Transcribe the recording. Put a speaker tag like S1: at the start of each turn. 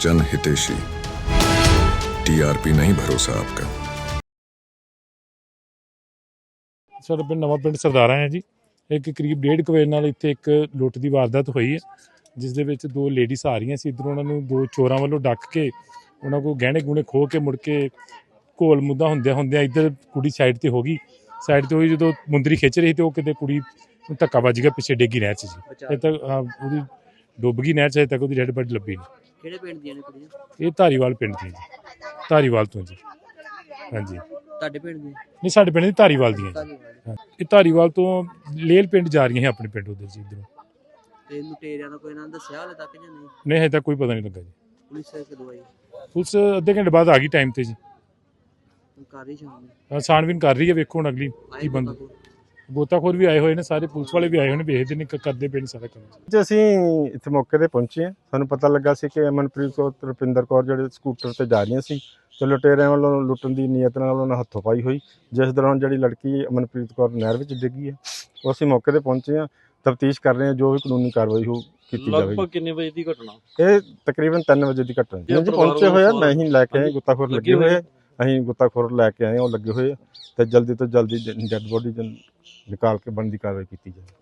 S1: जन हितेशी, टीआरपी नहीं भरोसा आपका।
S2: ਸਾਡੇ ਪਿੰਡ ਨਵਾਂ ਪਿੰਡ ਸਰਦਾਰਾ ਹੈ ਜੀ। ਇੱਕ ਕਰੀਬ 1:30 ਵਜੇ ਨਾਲ ਇੱਥੇ ਇੱਕ ਲੁੱਟ ਦੀ ਵਾਰਦਾਤ ਹੋਈ ਹੈ, ਜਿਸ ਦੇ ਵਿੱਚ ਦੋ ਲੇਡੀਜ਼ ਆ ਰਹੀਆਂ ਸੀ। ਇੱਧਰੋਂ ਉਹਨਾਂ ਨੂੰ ਦੋ ਚੋਰਾਂ ਵੱਲੋਂ ਡੱਕ ਕੇ ਉਹਨਾਂ ਕੋਲ ਗਹਿਣੇ ਗੁਣੇ ਖੋਹ ਕੇ ਮੁੜ ਕੇ ਘੋਲ ਮੁੱਦਾ ਹੁੰਦਿਆਂ ਇੱਧਰ ਕੁੜੀ ਸਾਈਡ ਤੇ ਹੋ ਗਈ। ਸਾਈਡ ਤੇ ਹੋਈ ਜਦੋਂ ਮੁੰਦਰੀ ਖਿੱਚ ਰਹੀ ਤੇ ਉਹ ਕਿਤੇ ਕੁੜੀ ਨੂੰ ਧੱਕਾ ਵੱਜ ਗਿਆ, ਪਿੱਛੇ ਡੇਗੀ ਨਹਿਰ 'ਚ ਜੀ। ਇਹ ਤੱਕ ਉਹਦੀ ਡੁੱਬ ਗਈ ਨਹਿਰ 'ਚ, ਅਜੇ ਤੱਕ ਉਹਦੀ ਡੈਡ ਬਾਡੀ ਲੱਭੀ ਨਹੀਂ।
S3: ਕਿਹੜੇ ਪਿੰਡ ਦੀਆਂ ਨੇ ਕੁੜੀਆਂ?
S2: ਇਹ ਧਾਰੀਵਾਲ ਪਿੰਡ ਦੀ ਜੀ, ਧਾਰੀਵਾਲ ਤੋਂ ਜੀ। ਹਾਂਜੀ,
S3: ਤੁਹਾਡੇ ਪਿੰਡ ਦੀਆਂ?
S2: ਨਹੀਂ, ਸਾਡੇ ਪਿੰਡ ਦੀ ਧਾਰੀਵਾਲ ਦੀਆਂ ਜੀ।
S3: ਧੰਨਵਾਦ।
S2: ਇਹ ਧਾਰੀਵਾਲ ਤੋਂ ਲੇਲ ਪਿੰਡ ਜਾ ਰਹੀਆਂ ਸੀ ਆਪਣੇ ਪਿੰਡ ਉਧਰ ਜੀ। ਇੱਧਰੋਂ
S3: ਤੇ ਲੁਟੇਰਿਆਂ ਦਾ ਕੋਈ ਨਾਂ ਦੱਸਿਆ ਹਾਲੇ ਤੱਕ ਜਾਂ ਨਹੀਂ?
S2: ਨਹੀਂ, ਹਜੇ ਤੱਕ ਕੋਈ ਪਤਾ ਨਹੀਂ ਲੱਗਾ ਜੀ।
S3: ਪੁਲਿਸ ਕਦੋਂ ਆਈ?
S2: ਪੁਲਿਸ ਅੱਧੇ ਘੰਟੇ ਬਾਅਦ ਆ ਗਈ ਟਾਈਮ ਤੇ ਜੀ।
S3: ਕਰ ਰਹੀ ਸ਼ਾਮ
S2: ਛਾਣਬੀਨ ਕਰ ਰਹੀ ਹੈ, ਵੇਖੋ ਹੁਣ ਅਗਲੀ ਕੀ ਬਣਦਾ। ਗੋਤਾਖੋਰ ਵੀ ਆਏ ਹੋਏ ਨੇ, ਸਾਰੇ ਪੁਲਿਸ ਵਾਲੇ ਵੀ ਆਏ ਹੋਏ ਨੇ, ਵੇਖਦੇ ਨੇ ਕਰਦੇ ਪਏ ਨੇ ਸਾਰਾ ਕੰਮ।
S4: ਜੀ ਅਸੀਂ ਇੱਥੇ ਮੌਕੇ ਤੇ ਪਹੁੰਚੇ ਹਾਂ। ਸਾਨੂੰ ਪਤਾ ਲੱਗਾ ਸੀ ਕਿ ਅਮਨਪ੍ਰੀਤ ਕੌਰ ਤੇ ਰੁਪਿੰਦਰ ਕੌਰ ਜਿਹੜੇ ਸਕੂਟਰ ਤੇ ਜਾ ਰਹੀਆਂ ਸੀ ਤੇ ਲੁਟੇਰਿਆਂ ਵੱਲੋਂ ਲੁੱਟਣ ਦੀ ਨੀਅਤ ਨਾਲ ਉਹਨਾਂ ਹੱਥੋਂ ਪਾਈ ਹੋਈ, ਜਿਸ ਦੌਰਾਨ ਜਿਹੜੀ ਲੜਕੀ ਅਮਨਪ੍ਰੀਤ ਕੌਰ ਨਹਿਰ ਵਿੱਚ ਡਿੱਗੀ ਹੈ। ਉਹ ਅਸੀਂ ਮੌਕੇ ਤੇ ਪਹੁੰਚੇ ਹਾਂ, ਤਫਤੀਸ਼ ਕਰ ਰਹੇ ਹਾਂ, ਜੋ ਵੀ ਕਾਨੂੰਨੀ ਕਾਰਵਾਈ ਹੋ ਕੀਤੀ ਜਾਵੇਗੀ।
S5: ਲਗਭਗ ਕਿੰਨੇ ਵਜੇ ਦੀ ਘਟਨਾ?
S4: ਇਹ ਤਕਰੀਬਨ 3 ਵਜੇ ਦੀ ਘਟਨਾ ਜੀ। ਜੀ ਪਹੁੰਚੇ ਹੋਏ ਆ, ਮੈਂ ਹੀ ਲੈ ਕੇ ਆਏ, ਗੁੱਤਾਖੋਰ ਲੱਗੇ ਹੋਏ ਆ, ਅਸੀਂ ਗੁੱਤਾਖੋਰ ਲੈ ਕੇ ਆਏ, ਉਹ ਲੱਗੇ ਹੋਏ ਆ ਤੇ ਜਲਦੀ ਤੋਂ ਜਲਦੀ ਡੈੱਡ ਬੋਡੀ ਨਿਕਾਲ ਕੇ ਬਣਦੀ ਕਾਰਵਾਈ ਕੀਤੀ ਜਾਵੇ।